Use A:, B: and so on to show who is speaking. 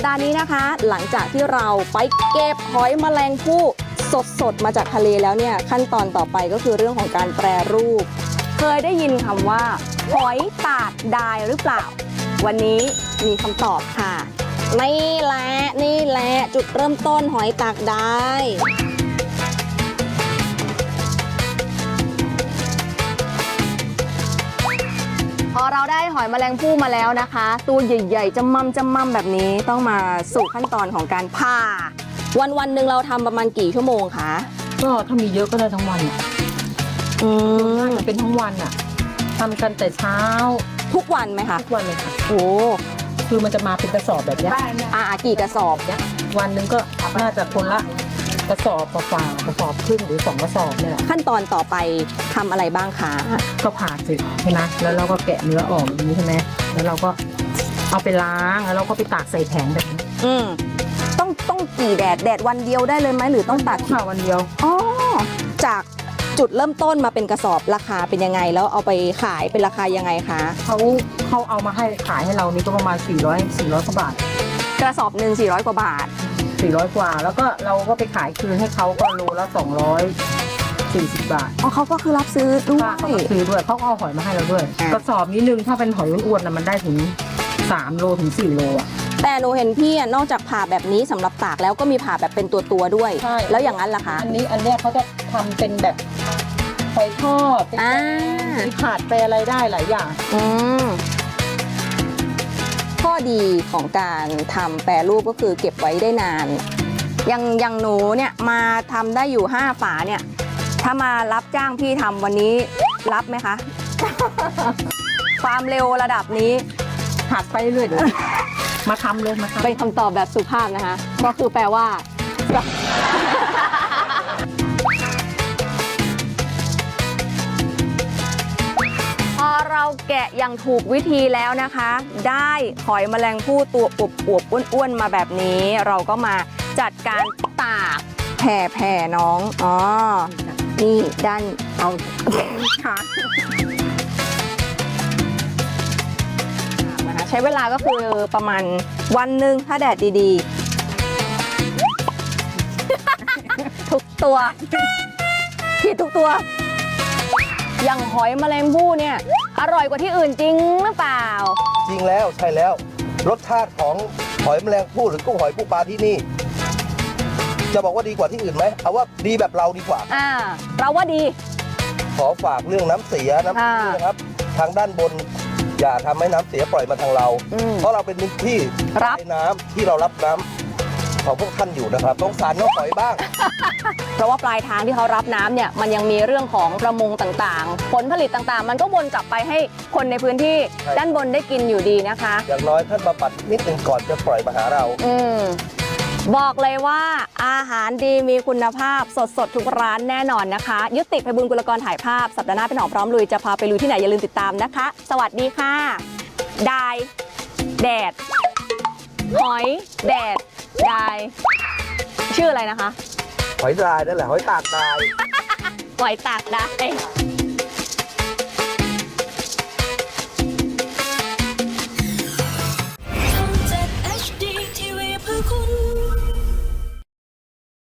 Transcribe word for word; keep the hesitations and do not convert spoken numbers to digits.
A: ดาห์นี้นะคะหลังจากที่เราไปเก็บหอยแมลงภู่สดๆมาจากทะเลแล้วเนี่ยขั้นตอนต่อไปก็คือเรื่องของการแปรรูปเคยได้ยินคำว่าหอยตากดายหรือเปล่าวันนี้มีคำตอบค่ะนี่แหละนี่แหละจุดเริ่มต้นหอยตากดายพอเราได้หอยแมลงภู่มาแล้วนะคะตัวใหญ่ๆจำมั่มจำมั่มแบบนี้ต้องมาสู่ขั้นตอนของการผ่าวันวันหนึ่งเราทำประมาณกี่ชั่วโมงคะ
B: ก็ถ้ามีเยอะก็ได้ทั้งวัน
A: อืม
B: เป็นทั้งวันอ่ะทำกันแต่เช้า
A: ทุกวันไหมคะ
B: ทุกวันเลยค่ะ
A: โอ้
B: คือมันจะมาเป็นกระสอบแบบนี้
A: อ่ากี่กระสอบ
B: เนี้ยวันหนึ่งก็น่าจะคนละกระสอบกว่ากระสอบครึ่งหรือสองกระสอบเนี่ยแหละ
A: ขั้นตอนต่อไปทำอะไรบ้างคะ
B: ก็ผ่าเสร็จใช่ไหมแล้วเราก็แกะเนื้อออกอย่างนี้ใช่ไหมแล้วเราก็เอาไปล้างแล้วเราก็ไปตากใส่แผงแบบนี้
A: อืมต้องต้องกี่แดดแดดวันเดียวได้เลยไหมหรือต้องตาก
B: ค่ะวันเดียว
A: อ๋อจากจุดเริ่มต้นมาเป็นกระสอบราคาเป็นยังไงแล้วเอาไปขายเป็นราคายังไงคะ
B: เขาเขาเอามาให้ขายให้เรานี่ก็ประมาณสี่ร้อยสี่ร้อยกว่าบาท
A: กระสอบหนึ่งสี่ร้อยกว่าบาท
B: สี่ร้อยกว่าแล้วก็เราก็ไปขายคืนให้เขาก็โลละสองร้อยสี่สิบบาท
A: อ๋อเขาก็คือรับซื้อด้วย
B: เขาซื้อด้วยเขาเอาหอยมาให้เราด้วยกระสอบนี้นึงถ้าเป็นหอยอ้วนๆนะมันได้ถึงสามโลถึงสี่โลอ่ะ
A: แต่หนูเห็นพี่นอกจากผ่าแบบนี้สำหรับตากแล้วก็มีผ่าแบบเป็นตัวตัวด้วยแล้วอย่างนั้นล่ะคะ
B: อันนี้อันเนี้ยเขาจะทำเป็นแบบหอยทอดเป็นผัดไปอะไรได้หลายอย่าง
A: อืมข้อดีของการทำแปรรูปก็คือเก็บไว้ได้นานอย่างอย่างหนูเนี่ยมาทำได้อยู่ห้าฝาเนี่ยถ้ามารับจ้างพี่ทำวันนี้รับไหมคะ ความเร็วระดับนี้
B: หัดไปเรื่อยมาทำเลยมาทำ
A: เป็นคำตอบแบบสุภาพนะคะก็คือแปลว่าพอเราแกะอย่างถูกวิธีแล้วนะคะได้หอยแมลงภู่ตัวอวบๆอ้วนๆมาแบบนี้เราก็มาจัดการตากแผ่แผ่น้องอ๋อนี่ด้านเอาค่ะใช้เวลาก็คือประมาณวันหนึ่งถ้าแดดดีๆ ทุกตัวผิดทุกตัวอย่างหอยแมลงภู่เนี่ยอร่อยกว่าที่อื่นจริงหรือเปล่า
C: จริงแล้วใช่แล้วรสชาติของหอยแมลงภู่หรือกุ้งหอยปูปลาที่นี่จะบอกว่าดีกว่าที่อื่นไหมเอาว่าดีแบบเราดีกว่า
A: อ่าเราว่าดี
C: ขอฝากเรื่องน้ำเสียน้ำเสียนะครับทางด้านบนอย่าทำให้น้ำเสียปล่อยมาทางเราเพราะเราเป็นที่รับน้ำที่เรารับน้ำของพวกท่านอยู่นะครับต้องสารน้องหอยบ้าง
A: เพราะว่าปลายทางที่เขารับน้ำเนี่ยมันยังมีเรื่องของประมงต่างๆผลผลิตต่างๆมันก็วนกลับไปให้คนในพื้นที่ด้านบนได้กินอยู่ดีนะคะ
C: อย่างน้อยท่านมาปัดนิดนึงก่อนจะปล่อยมาหาเรา
A: อืมบอกเลยว่าอาหารดีมีคุณภาพสดสดทุกร้านแน่นอนนะคะยุติไพบูลย์กุลกรถ่ายภาพสัปดาห์หน้าเป็นหนองพร้อมลุยจะพาไปลุยที่ไหนอย่าลืมติดตามนะคะสวัสดีค่ะดายแดดหอยแดดดายชื่ออะไรนะคะ
C: หอยดายนั่นแหละหอยตากดาย
A: หอยตากดาย